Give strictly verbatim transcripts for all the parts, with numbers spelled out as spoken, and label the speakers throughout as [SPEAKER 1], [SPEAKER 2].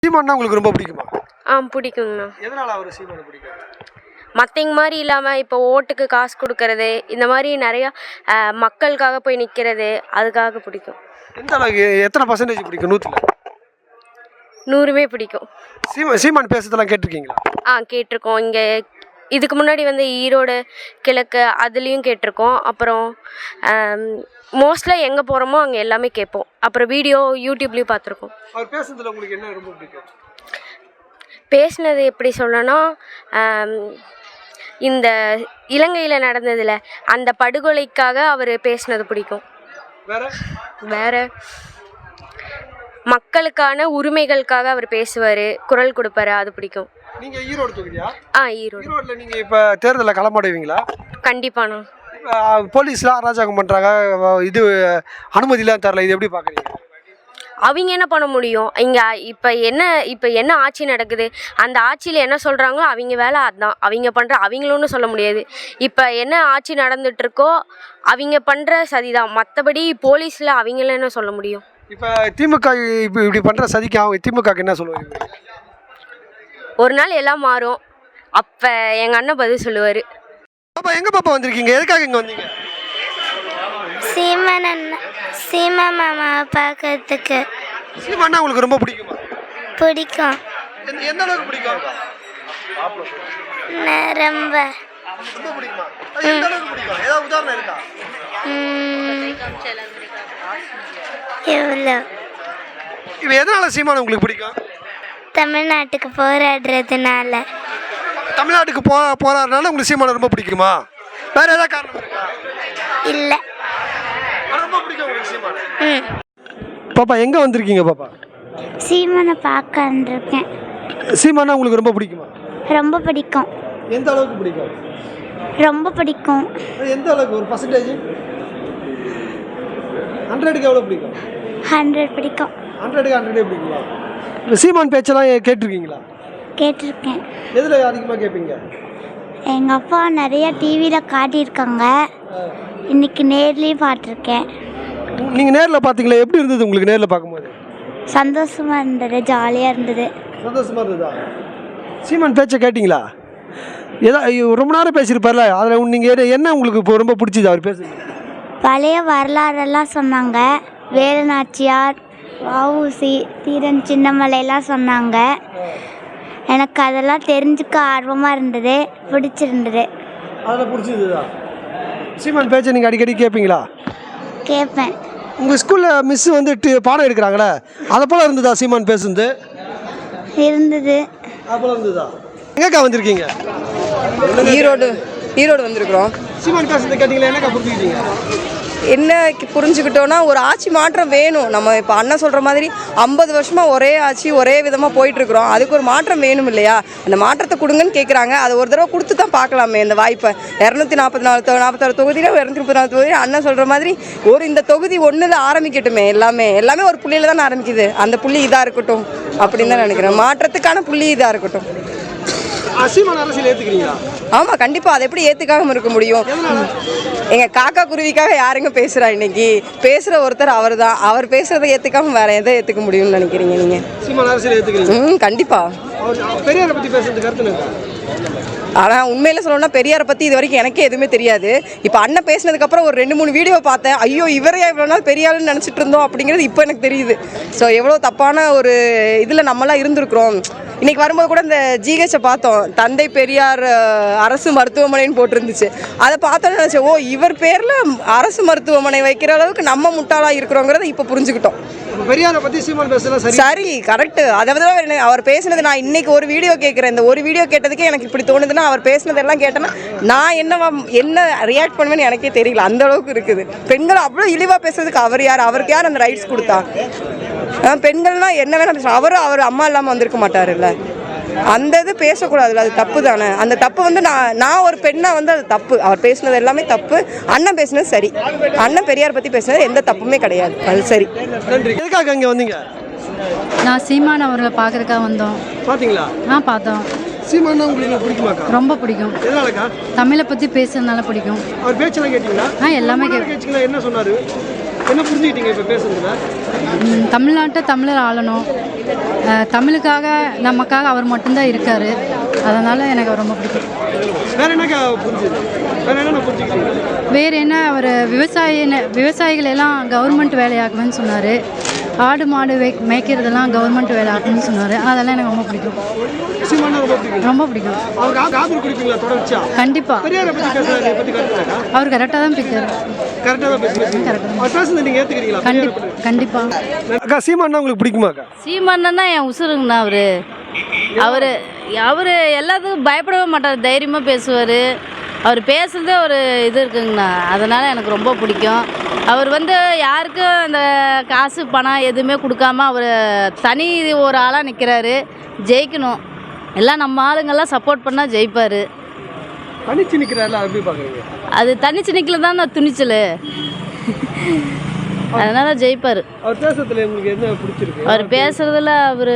[SPEAKER 1] சீமான்னா உங்களுக்கு ரொம்ப பிடிக்குமா?
[SPEAKER 2] ஆ பிடிக்குங்கண்ணா.
[SPEAKER 1] எதனால அவர் சீமானை பிடிக்கும்?
[SPEAKER 2] மற்றவங்க மாதிரி இல்லாமல் இப்போ ஓட்டுக்கு காசு கொடுக்கறது, இந்த மாதிரி நிறையா மக்களுக்காக போய் நிற்கிறது, அதுக்காக பிடிக்கும்.
[SPEAKER 1] எந்த அளவுக்கு, எத்தனை பர்சன்டேஜ் பிடிக்கும்? நூற்றில்
[SPEAKER 2] நூறுமே பிடிக்கும்.
[SPEAKER 1] சீமா சீமான் பேசுறதெல்லாம் கேட்டிருக்கீங்களா?
[SPEAKER 2] ஆ கேட்டிருக்கோம். இங்கே இதுக்கு முன்னாடி வந்து ஈரோடு கிழக்கு அதுலேயும் கேட்டிருக்கோம். அப்புறம் மோஸ்ட்லாக எங்கே போகிறோமோ அங்கே எல்லாமே கேட்போம். அப்புறம் வீடியோ யூடியூப்லேயும் பார்த்துருக்கோம்.
[SPEAKER 1] அவர் பேசுறதுல உங்களுக்கு என்ன ரொம்ப பிடிக்கும்?
[SPEAKER 2] பேசினது எப்படி சொல்லணும்னா, இந்த இலங்கையில் நடந்ததில் அந்த படுகொலைக்காக அவர் பேசினது பிடிக்கும்.
[SPEAKER 1] வேற
[SPEAKER 2] வேற மக்களுக்கான உரிமைகளுக்காக அவர் பேசுவார், குரல் கொடுப்பாரு, அது பிடிக்கும்.
[SPEAKER 1] நீங்க ஈரோடு தொகுதியா?
[SPEAKER 2] ஆ ஈரோடு.
[SPEAKER 1] ஈரோடுல நீங்க இப்ப தேர்தலில் களமாடுவீங்களா?
[SPEAKER 2] கண்டிப்பாண்ணா.
[SPEAKER 1] போலீஸ்லாம் அராஜகம் பண்றாங்க, இது அனுமதிலாம் தரல, இது எப்படி பாக்குறீங்க?
[SPEAKER 2] அவங்க என்ன பண்ண முடியும்? இங்கே இப்போ என்ன இப்போ என்ன ஆட்சி நடக்குது, அந்த ஆட்சியில் என்ன சொல்கிறாங்களோ அவங்க வேலை அதுதான். அவங்க பண்ணுற அவங்களும் சொல்ல முடியாது. இப்போ என்ன ஆட்சி நடந்துகிட்ருக்கோ அவங்க பண்ணுற சதிதான். மற்றபடி போலீஸில் அவங்கள என்ன சொல்ல முடியும்?
[SPEAKER 1] இப்போ திமுக இப்போ இப்படி பண்ணுற சதிக்கு அவங்க திமுகக்கு என்ன சொல்லுவாங்க?
[SPEAKER 2] ஒரு நாள் எல்லாம் மாறும், அப்போ எங்கள் அண்ணன் பதில் சொல்லுவார்.
[SPEAKER 1] பாப்பா எங்கே பாப்பா வந்திருக்கீங்க? எதுக்காக இங்கே வந்தீங்க?
[SPEAKER 3] சீமான் அண்ணா சீமா மாமாவை பார்க்கறதுக்கு.
[SPEAKER 1] சீமானா உங்களுக்கு ரொம்ப பிடிக்குமா?
[SPEAKER 3] பிடிக்கும்.
[SPEAKER 1] எந்த அளவுக்கு பிடிக்கும்?
[SPEAKER 3] ரொம்ப
[SPEAKER 1] ரொம்ப பிடிக்குமா? எந்த அளவுக்கு பிடிக்கும்? ஏதாவது உதாரணம் இருக்கா?
[SPEAKER 3] எவ்வளோ?
[SPEAKER 1] இப்போ எதனால சீமான் உங்களுக்கு பிடிக்கும்?
[SPEAKER 3] தமிழ்நாட்டுக்கு போராடுறதுனால.
[SPEAKER 1] தமிழ்நாட்டுக்கு போ போராடுறதுனால உங்களுக்கு சீமானை ரொம்ப பிடிக்குமா? வேற ஏதாவது காரணம் இருக்கா?
[SPEAKER 3] இல்லை.
[SPEAKER 1] ரொம்ப பிடிக்கும் உங்களுக்கு சீமான். ம். பாப்பா எங்க வந்திருக்கீங்க பாப்பா?
[SPEAKER 3] சீமானை பார்க்க வந்திருக்கேன்.
[SPEAKER 1] சீமானா உங்களுக்கு ரொம்ப பிடிக்குமா?
[SPEAKER 3] ரொம்ப பிடிக்கும்.
[SPEAKER 1] எந்த அளவுக்கு பிடிக்கும்?
[SPEAKER 3] ரொம்ப பிடிக்கும்.
[SPEAKER 1] எந்த அளவுக்கு, ஒரு பர்சன்டேஜ்? ஹண்ட்ரடுக்கு எவ்வளோ பிடிக்கும்?
[SPEAKER 3] ஹண்ட்ரட் பிடிக்கும்.
[SPEAKER 1] ஹண்ட்ரடுக்கு ஹண்ட்ரடே பிடிக்குங்களா? இப்போ சீமான் பேச்செல்லாம் கேட்டிருக்கீங்களா?
[SPEAKER 3] கேட்டிருக்கேன்.
[SPEAKER 1] எதில் அதிகமாக கேட்பீங்க?
[SPEAKER 3] எங்கள் அப்பா நிறைய டிவியில் காட்டியிருக்காங்க, இன்னைக்கு நேர்லேயும் பார்த்துருக்கேன்.
[SPEAKER 1] நீங்கள் நேரில் பார்த்தீங்களா? எப்படி இருந்தது உங்களுக்கு நேரில் பார்க்கும்போது?
[SPEAKER 3] சந்தோஷமாக இருந்தது, ஜாலியாக இருந்தது.
[SPEAKER 1] சந்தோஷமாக இருந்ததா? சீமான் பேச்சை கேட்டிங்களா? ஏதா ரொம்ப நேரம் பேசியிருப்பார்ல, அதில் நீங்கள் என்ன உங்களுக்கு இப்போ ரொம்ப பிடிச்சிது அவர் பேசுறது?
[SPEAKER 3] பழைய வரலாறெல்லாம் சொன்னாங்க. வேலுநாச்சியார், வஉசி, தீரன் சின்னமலையெல்லாம் சொன்னாங்க. எனக்கு அதெல்லாம் தெரிஞ்சுக்க ஆர்வமாக இருந்தது, பிடிச்சிருந்தது.
[SPEAKER 1] அதில் பிடிச்சிருந்ததா? சீமான் பேச்சை நீங்கள் அடிக்கடி கேட்பீங்களா?
[SPEAKER 3] கேட்பேன்.
[SPEAKER 1] உங்கள் ஸ்கூலில் மிஸ்ஸு வந்து பாடம் எடுக்கிறாங்களே, அதை போல் இருந்ததா சீமான் பேசுறது?
[SPEAKER 3] இருந்தது.
[SPEAKER 1] அப்போல இருந்ததா? எங்கக்கா வந்திருக்கீங்க?
[SPEAKER 4] ஈரோடு ஈரோடு வந்திருக்கிறோம்.
[SPEAKER 1] சீமான் பேசுறதை கேட்டீங்களா? என்னக்கா புரிஞ்சுக்கிட்டீங்க?
[SPEAKER 4] என்ன புரிஞ்சுக்கிட்டோன்னா, ஒரு ஆட்சி மாற்றம் வேணும். நம்ம இப்போ அண்ணன் சொல்கிற மாதிரி ஐம்பது வருஷமாக ஒரே ஆட்சி ஒரே விதமாக போயிட்டுருக்குறோம். அதுக்கு ஒரு மாற்றம் வேணும் இல்லையா? அந்த மாற்றத்தை கொடுங்கன்னு கேட்குறாங்க. அதை ஒரு தடவை கொடுத்து தான் பார்க்கலாமே இந்த வாய்ப்பை. இரநூத்தி நாற்பத்தி நாலு நாற்பத்தாறு தொகுதியில் இரநூத்தி முப்பத்தி நாலு தொகுதி அண்ணன் சொல்கிற மாதிரி ஒரு இந்த தொகுதி ஒன்றில் ஆரம்பிக்கட்டுமே. எல்லாமே எல்லாமே ஒரு புள்ளியில் தானே ஆரம்பிக்குது. அந்த புள்ளி இதாக இருக்கட்டும் அப்படின்னு தான் நினைக்கிறேன். மாற்றத்துக்கான புள்ளி இதாக இருக்கட்டும்.
[SPEAKER 1] சீமான் அரசியல் ஏற்றுக்கிறீங்களா?
[SPEAKER 4] ஆமாம், கண்டிப்பாக. அதை எப்படி ஏற்றுக்காமல் இருக்க முடியும்? எங்கள் காக்கா குருவிக்காக யாருங்க பேசுகிறா? இன்னைக்கு பேசுகிற ஒருத்தர் அவர் தான். அவர் பேசுகிறத ஏற்றுக்காமல் வேறு எதை ஏற்றுக்க முடியும்னு நினைக்கிறீங்க நீங்கள்?
[SPEAKER 1] சீமான் அரசியல் ஏற்றுக்கிறீங்க?
[SPEAKER 4] ம், கண்டிப்பாக.
[SPEAKER 1] பெரியாரை பற்றி பேசுறது கருத்து இருக்கா?
[SPEAKER 4] ஆனால் உண்மையில் சொல்லணும்னா பெரியாரை பற்றி இது வரைக்கும் எனக்கே எதுவுமே தெரியாது. இப்போ அண்ணன் பேசினதுக்கப்புறம் ஒரு ரெண்டு மூணு வீடியோ பார்த்தேன். ஐயோ, இவரையா இவ்வளோ நாள் பெரியாருன்னு நினச்சிட்டு இருந்தோம் அப்படிங்கிறது இப்போ எனக்கு தெரியுது. ஸோ எவ்வளோ தப்பான ஒரு இதில் நம்மளாம் இருந்திருக்கிறோம். இன்றைக்கி வரும்போது கூட இந்த ஜிஹெச்சை பார்த்தோம், தந்தை பெரியார் அரசு மருத்துவமனைன்னு போட்டிருந்துச்சு. அதை பார்த்தோன்னு நினச்சேன், ஓ இவர் பேரில் அரசு மருத்துவமனை வைக்கிற அளவுக்கு நம்ம முட்டாளாக இருக்கிறோங்கிறத இப்போ புரிஞ்சுக்கிட்டோம்.
[SPEAKER 1] பெரியாரை பற்றி சீமான் பேசலாம்
[SPEAKER 4] சரி, கரெக்டு. அதை விட அவர் பேசினது, நான் இன்னைக்கு ஒரு வீடியோ கேட்குறேன். இந்த ஒரு வீடியோ கேட்டதுக்கே எனக்கு இப்படி தோணுதுன்னா, அவர் பேசினதெல்லாம் கேட்டேன்னா நான் என்ன என்ன ரியாக்ட் பண்ணுவேன்னு எனக்கே தெரியல. அந்த அளவுக்கு இருக்குது. பெண்கள் அவ்வளோ இழிவாக பேசுறதுக்கு அவர் யார்? அவருக்கு யார் அந்த ரைட்ஸ் கொடுத்தா? பெண்கள்னால் என்ன வேணால் பேசலாம். அவரும் அவர் அம்மா இல்லாமல் வந்திருக்க மாட்டாருல்ல. அந்த இது பேசக்கூடாதுல்ல, அது தப்பு தானே. அந்த தப்பு வந்து நான் நான் ஒரு பெண்ணாக வந்து அது தப்பு. அவர் பேசினது எல்லாமே தப்பு. அண்ணன் பேசினது சரி. அண்ணன் பெரியார் பற்றி பேசினது எந்த தப்புமே கிடையாது. அது சரி.
[SPEAKER 1] நன்றி. எதுக்காக அங்கே வந்தீங்க?
[SPEAKER 5] நான் சீமான் அவர்களை பார்க்கறதுக்காக வந்தோம்.
[SPEAKER 1] பார்த்தீங்களா?
[SPEAKER 5] ஆ பார்த்தோம்.
[SPEAKER 1] சீமானா உங்களுக்கு பிடிக்குமாக்கா?
[SPEAKER 5] ரொம்ப பிடிக்கும்.
[SPEAKER 1] எதனாலக்கா?
[SPEAKER 5] தமிழை பற்றி பேசுறதுனால பிடிக்கும்.
[SPEAKER 1] அவர் பேச்செல்லாம் கேட்டீங்களா?
[SPEAKER 5] ஆ எல்லாமே கேட்குறேன்.
[SPEAKER 1] என்ன சொன்னார்? என்ன புரிஞ்சுக்கிட்டீங்க இப்போ பேசுறதுல?
[SPEAKER 5] ம், தமிழ்நாட்டை தமிழர் ஆளணும், அஹ், தமிழுக்காக நமக்காக அவர் மட்டும்தான் இருக்கார். அதனால் எனக்கு அவர் ரொம்ப பிடிக்கும்.
[SPEAKER 1] வேற என்னக்கா புரிஞ்சுது? வேற என்ன புரிஞ்சுக்கிட்டீங்க?
[SPEAKER 5] வேறு என்ன, அவர் விவசாய விவசாயிகள் எல்லாம் கவர்மெண்ட் வேலையாகுவேன்னு சொன்னார். ஆடு மாடு வே மேய்க்கிறதெல்லாம் கவர்மெண்ட் வேலை ஆகுன்னு சொன்னார். அதெல்லாம் எனக்கு ரொம்ப பிடிக்கும்.
[SPEAKER 1] சீமானா ரொம்ப பிடிக்கும்.
[SPEAKER 5] ரொம்ப பிடிக்கும்.
[SPEAKER 1] அவருக்கு ஆ- ஆதரவு கொடுப்பீங்களா தொடர்ச்சியா?
[SPEAKER 5] கண்டிப்பாக.
[SPEAKER 1] பெரியாரை பற்றி பேசுறாரு, இதை பற்றி கருத்துக்கா?
[SPEAKER 5] அவர் கரெக்டாக தான் பிடிக்காரு.
[SPEAKER 1] கரெக்டாக தான் பேசுறீங்க.
[SPEAKER 5] கரெக்டாக.
[SPEAKER 1] அவர் பேசுனதை நீங்கள் ஏற்றுக்கிறீங்களா?
[SPEAKER 5] கண்டிப்பாக கண்டிப்பாக.
[SPEAKER 1] அக்கா சீமானா உங்களுக்கு பிடிக்குமாக்கா?
[SPEAKER 6] சீமானன்னா என் உசுருங்கண்ணா அவர் அவர் அவர் எல்லாத்துக்கும் பயப்படவே மாட்டார், தைரியமாக பேசுவார். அவர் பேசுகிறதே ஒரு இது இருக்குங்கண்ணா, அதனால் எனக்கு ரொம்ப பிடிக்கும். அவர் வந்து யாருக்கும் அந்த காசு பணம் எதுவுமே கொடுக்காம அவர் தனி ஒரு ஆளாக நிற்கிறாரு. ஜெயிக்கணும், எல்லாம் நம்ம ஆளுங்கெல்லாம் சப்போர்ட் பண்ணால் ஜெயிப்பார்.
[SPEAKER 1] தனிச்சு நிற்கிறாருல, எப்படி பார்க்குறீங்க?
[SPEAKER 6] அது தனிச்சு நிற்கல தான் நான் துணிச்சல், அதனால் ஜெயிப்பார்.
[SPEAKER 1] அவர் பேசுறதுல உங்களுக்கு என்ன பிடிச்சிருக்கு?
[SPEAKER 6] அவர் பேசுகிறதுல அவர்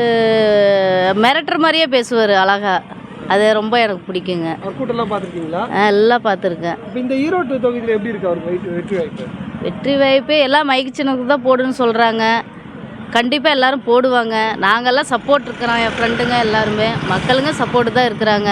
[SPEAKER 6] மிரட்டுற மாதிரியே பேசுவார் அழகா, அது ரொம்ப எனக்கு பிடிக்குங்க.
[SPEAKER 1] அவர் கூட்டம்லாம் பார்த்துருக்கீங்களா?
[SPEAKER 6] நான் எல்லாம் பார்த்துருக்கேன்.
[SPEAKER 1] இப்போ இந்த ஈரோட்டு தொகுதியில் எப்படி இருக்கு அவருக்கு வெற்றி வெற்றி வாய்ப்பு?
[SPEAKER 6] வெற்றி வாய்ப்பு எல்லாம் மைக்கு சின்னத்துக்கு தான் போடுன்னு சொல்கிறாங்க. கண்டிப்பாக எல்லாரும் போடுவாங்க. நாங்கள்லாம் சப்போர்ட் இருக்கிறோம், என் ஃப்ரெண்டுங்க எல்லாருமே மக்களுங்க சப்போர்ட்டு தான் இருக்கிறாங்க.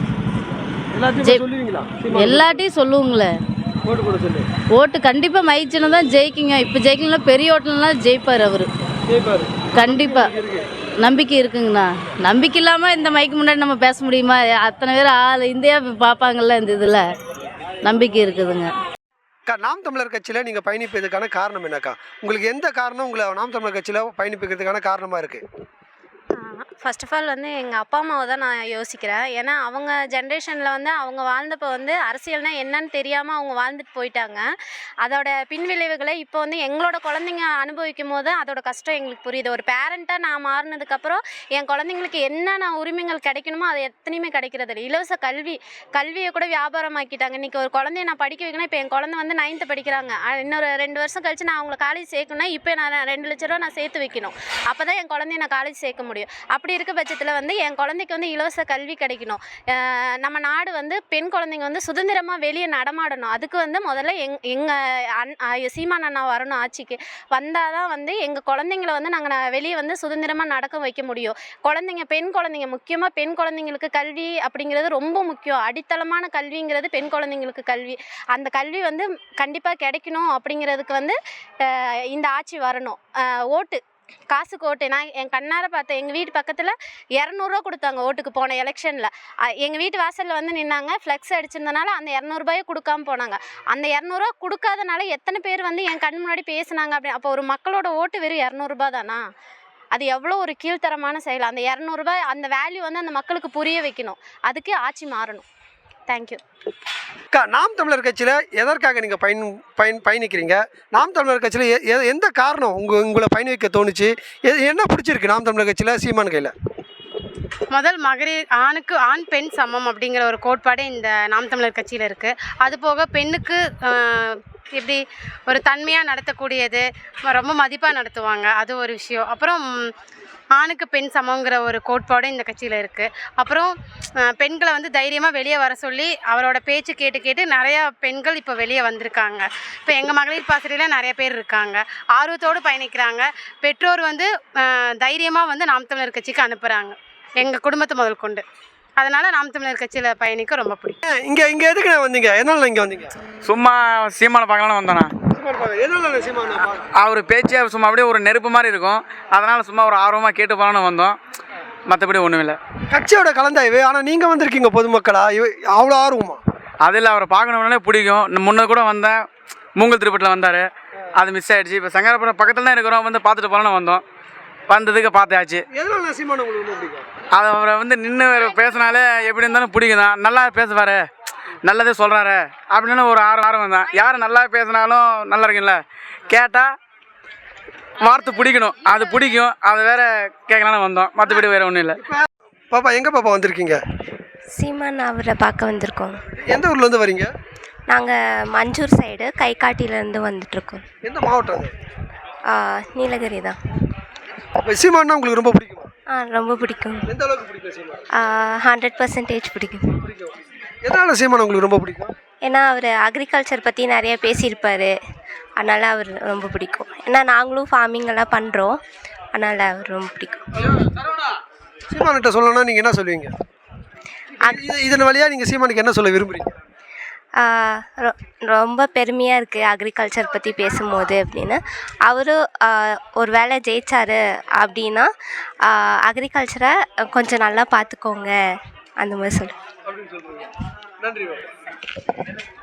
[SPEAKER 1] எல்லாத்தையும் சொல்லுவீங்களா?
[SPEAKER 6] எல்லாட்டையும் சொல்லுவோங்களே,
[SPEAKER 1] ஓட்டு போட சொல்லு.
[SPEAKER 6] ஓட்டு கண்டிப்பாக மைக்கு சின்னம் தான் ஜெயிக்குங்க. இப்போ ஜெயிக்கலாம், பெரிய ஓட்டுலாம் ஜெயிப்பார் அவர்
[SPEAKER 1] ஜெயிப்பாரு
[SPEAKER 6] கண்டிப்பாக. நம்பிக்கை இருக்குங்கண்ணா. நம்பிக்கை இல்லாமல் இந்த மைக்கு முன்னாடி நம்ம பேச முடியுமா? அத்தனை பேர் ஆள் இந்தியா பார்ப்பாங்கல்ல இந்த இதில். நம்பிக்கை இருக்குதுங்க.
[SPEAKER 1] அக்கா, நாம் தமிழர் கட்சியில் நீங்கள் பயணிப்பதற்கான காரணம் என்னக்கா? உங்களுக்கு எந்த காரணம் உங்களை நாம் தமிழர் கட்சியில் பயணிப்பதற்கான காரணமாக இருக்குது?
[SPEAKER 7] ஃபர்ஸ்ட் ஆஃப் ஆல் வந்து எங்கள் அப்பா அம்மாவை தான் நான் யோசிக்கிறேன். ஏன்னா அவங்க ஜென்ரேஷனில் வந்து அவங்க வாழ்ந்தப்போ வந்து அரசியல்னால் என்னன்னு தெரியாமல் அவங்க வாழ்ந்துட்டு போயிட்டாங்க. அதோட பின்விளைவுகளை இப்போ வந்து எங்களோட குழந்தைங்க அனுபவிக்கும் போது அதோட கஷ்டம் எங்களுக்கு புரியுது. ஒரு பேரண்ட்டாக நான் மாறினதுக்கப்புறம் என் குழந்தைங்களுக்கு என்னென்ன உரிமைகள் கிடைக்கணுமோ அது எத்தனையுமே கிடைக்கிறது இல்லை. இலவச கல்வி கல்வியை கூட வியாபாரமாக்கிட்டாங்க. இன்றைக்கி ஒரு குழந்தைய நான் படிக்க வைக்கணும். இப்போ என் குழந்தை வந்து நைன்த்து படிக்கிறாங்க. இன்னொரு ரெண்டு வருஷம் கழிச்சு நான் அவங்கள காலேஜ் சேர்க்கணும்னா இப்போ நான் ரெண்டு லட்ச ரூபா நான் சேர்த்து வைக்கணும். அப்போ தான் என் குழந்தைய நான் காலேஜ் சேர்க்க முடியும். அப்படி இருக்க பட்சத்தில் வந்து என் குழந்தைக்கு வந்து இலவச கல்வி கிடைக்கணும். நம்ம நாடு வந்து பெண் குழந்தைங்க வந்து சுதந்திரமாக வெளியே நடமாடணும். அதுக்கு வந்து முதல்ல எங் எங்கள் அன் சீமான் அண்ணா வரணும் ஆட்சிக்கு. வந்தால் தான் வந்து எங்கள் குழந்தைங்கள வந்து நாங்கள் வெளியே வந்து சுதந்திரமாக நடக்க வைக்க முடியும். குழந்தைங்க பெண் குழந்தைங்க முக்கியமாக பெண் குழந்தைங்களுக்கு கல்வி அப்படிங்கிறது ரொம்ப முக்கியம். அடித்தளமான கல்விங்கிறது பெண் குழந்தைங்களுக்கு கல்வி. அந்த கல்வி வந்து கண்டிப்பாக கிடைக்கணும். அப்படிங்கிறதுக்கு வந்து இந்த ஆட்சி வரணும். ஓட்டு காசுக்கு ஓட்டு நான் என் கண்ணார பார்த்தேன். எங்கள் வீட்டு பக்கத்தில் இரநூறுவா கொடுத்தாங்க ஓட்டுக்கு போன எலெக்ஷனில். எங்கள் வீட்டு வாசலில் வந்து நின்னாங்க, ஃப்ளெக்ஸ் அடிச்சிருந்தனால அந்த இரநூறுபாயை கொடுக்காம போனாங்க. அந்த இரநூறுவா கொடுக்காதனால எத்தனை பேர் வந்து என் கண் முன்னாடி பேசுனாங்க. அப்படி அப்போ ஒரு மக்களோட ஓட்டு வெறும் இரநூறுபா தானா? அது எவ்வளோ ஒரு கீழ்த்தரமான செயல். அந்த இரநூறுபா அந்த வேல்யூ வந்து அந்த மக்களுக்கு புரிய வைக்கணும். அதுக்கு ஆட்சி மாறணும். தேங்க்யூ.
[SPEAKER 1] அக்கா, நாம் தமிழர் கட்சியில் எதற்காக நீங்கள் பயன் பயன் பயணிக்கிறீங்க? நாம் தமிழர் கட்சியில் எந்த காரணம் உங்கள் உங்களை பயணிக்க தோணுச்சு? என்ன பிடிச்சிருக்கு நாம் தமிழர் கட்சியில் சீமான் கையில்?
[SPEAKER 8] முதல் மகளிர் ஆணுக்கு ஆண் பெண் சமம் அப்படிங்கிற ஒரு கோட்பாடு இந்த நாம் தமிழர் கட்சியில் இருக்குது. அதுபோக பெண்ணுக்கு எப்படி ஒரு தன்மையாக நடத்தக்கூடியது, ரொம்ப மதிப்பாக நடத்துவாங்க, அது ஒரு விஷயம். அப்புறம் ஆணுக்கு பெண் சமங்கிற ஒரு கோட்பாடு இந்த கட்சியில் இருக்குது. அப்புறம் பெண்களை வந்து தைரியமாக வெளியே வர சொல்லி அவரோட பேச்சு கேட்டு கேட்டு நிறையா பெண்கள் இப்போ வெளியே வந்திருக்காங்க. இப்போ எங்கள் மகளிர் பாசறையில் நிறைய பேர் இருக்காங்க, ஆர்வத்தோடு பயணிக்கிறாங்க. பெற்றோர் வந்து தைரியமாக வந்து நாம் தமிழர் கட்சிக்கு அனுப்புகிறாங்க, எங்கள் குடும்பத்தை முதல் கொண்டு. அதனால் நாம் தமிழர் கட்சியில் பயணிக்க ரொம்ப பிடிக்கும்.
[SPEAKER 1] இங்கே இங்கே எதுக்கு நான் வந்தீங்க? எதனால இங்கே வந்தீங்க?
[SPEAKER 9] சும்மா சீமானை பார்க்கலான்னு வந்தேண்ணா. அவர் பேச்சே சும்மா அப்படியே ஒரு நெருப்பு மாதிரி இருக்கும், அதனால் சும்மா ஒரு ஆர்வமாக கேட்டு போகலான்னு வந்தோம், மற்றபடி ஒன்றும் இல்லை.
[SPEAKER 1] கட்சியோட கலந்தாய்வு. ஆனால் நீங்கள் வந்திருக்கீங்க பொதுமக்களா, அவ்வளோ ஆர்வமா?
[SPEAKER 9] அதில் அவரை பார்க்கணும்னாலே பிடிக்கும். முன்னே கூட வந்தேன், மூங்கல் திருப்பட்டில் வந்தார், அது மிஸ் ஆகிடுச்சு. இப்போ சங்கரபுரம் பக்கத்தில் தான் இருக்கிறோம், வந்து பார்த்துட்டு போகலான்னு வந்தோம். வந்ததுக்கு பார்த்தாச்சு. அதை அவரை வந்து நின்று பேசினாலே எப்படி இருந்தாலும் பிடிக்கும் தான். நல்லா பேசுவார், நல்லதே சொல்கிறாரு அப்படின்னு ஒரு ஆர்வம் ஆர்வம் தான். யார் நல்லா பேசினாலும் நல்லா இருக்குல்ல, கேட்டால் வார்த்தை பிடிக்கணும், அது பிடிக்கும். அது வேற கேட்கலான்னு வந்தோம், மற்றபடி வேறு ஒன்றும் இல்லை.
[SPEAKER 1] பாப்பா, எங்கே பாப்பா வந்திருக்கீங்க?
[SPEAKER 10] சீமான் அவரை பார்க்க வந்திருக்கோம்.
[SPEAKER 1] எந்த ஊர்லேருந்து வரீங்க?
[SPEAKER 10] நாங்கள் மஞ்சூர் சைடு கைகாட்டிலேருந்து வந்துட்டுருக்கோம்.
[SPEAKER 1] எந்த மாவட்டம்?
[SPEAKER 10] நீலகிரி தான்.
[SPEAKER 1] சீமான்னா உங்களுக்கு ரொம்ப பிடிக்குமா?
[SPEAKER 10] ஆ, ரொம்ப பிடிக்கும்.
[SPEAKER 1] எந்த அளவுக்கு பிடிக்கும் சீமான்?
[SPEAKER 10] ஹண்ட்ரட் பர்சன்டேஜ் பிடிக்கும்.
[SPEAKER 1] எதனால சீமான் உங்களுக்கு ரொம்ப பிடிக்கும்?
[SPEAKER 10] ஏன்னா அவர் அக்ரிகல்ச்சர் பற்றி நிறைய பேசியிருப்பார். அதனால் அவர் ரொம்ப பிடிக்கும். ஏன்னா நாங்களும் ஃபார்மிங் எல்லாம் பண்ணுறோம், அதனால் அவர் ரொம்ப பிடிக்கும்.
[SPEAKER 1] சீமான்கிட்ட சொல்லணும்னா நீங்கள் என்ன சொல்லுவீங்க? இது இதன் வழியாக நீங்கள் சீமானுக்கு என்ன சொல்ல விரும்புகிறீங்க?
[SPEAKER 10] ஆஹ் ரொ- ரொம்ப பெருமையாக இருக்குது அக்ரிகல்ச்சர் பற்றி பேசும்போது அப்படின்னு. அவரும் ஒரு வேளை ஜெயிச்சாரு அப்படின்னா அக்ரிகல்ச்சரை கொஞ்சம் நல்லா பார்த்துக்கோங்க அந்த மாதிரி சொல்லு.
[SPEAKER 1] நன்றி.